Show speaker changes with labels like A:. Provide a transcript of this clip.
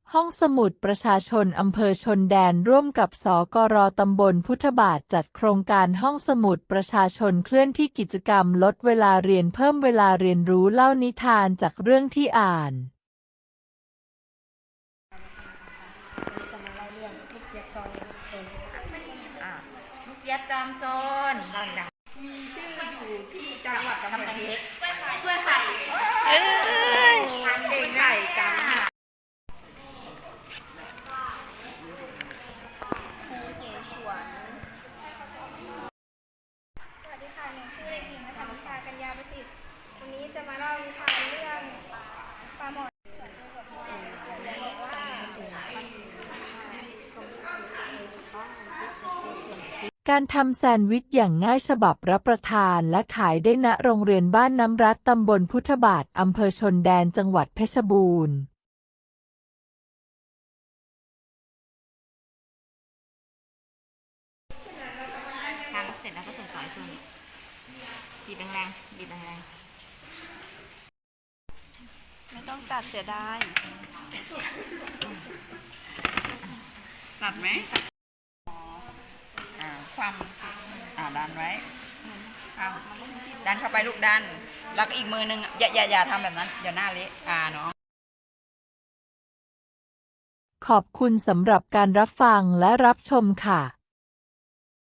A: ห้องสมุดประชาชนอำเภอชนแดนร่วมกับสกร.ตำบลพุทธบาทจัดโครงการห้องสมุดประชาชนเคลื่อนที่กิจกรรมลดเวลาเรียนเพิ่มเวลาเรียนรู้เล่านิทานจากเรื่องที่อ่าน
B: ลูกเจี๊ยบจอมโซนมีชื่ออยู่ที่จังหวัดกำแพงเพชรกล้วยไข่ทานเด็กไข่จังค่ะครูเสฉวน
C: สวัสดีค่ะ หนูชื่อเด็กหญิงณัฐวิชา กัญญาประสิทธิ์ วันนี้จะมาเล่านิทานเรื่องปลาหมอ
A: การทำแซนด์วิชอย่างง่ายฉบับรับประทานและขายได้ณโรงเรียนบ้านน้ำรัดตำบลพุทธบาทอำเภอชนแดนจังหวัดเพชรบูรณ์
B: ทำเสร็จแล้วก็ส่งสายส่วนบีบแรงๆบีบแรงๆไม่ต้องตัดเสียดายตัดไหมความดันไว้ดันเข้าไปลูกดันแล้วก็อีกมือนึงอย่าทำแบบนั้นเดี๋ยวหน้าเละเนาะ
A: ขอบคุณสำหรับการรับฟังและรับชมค่ะ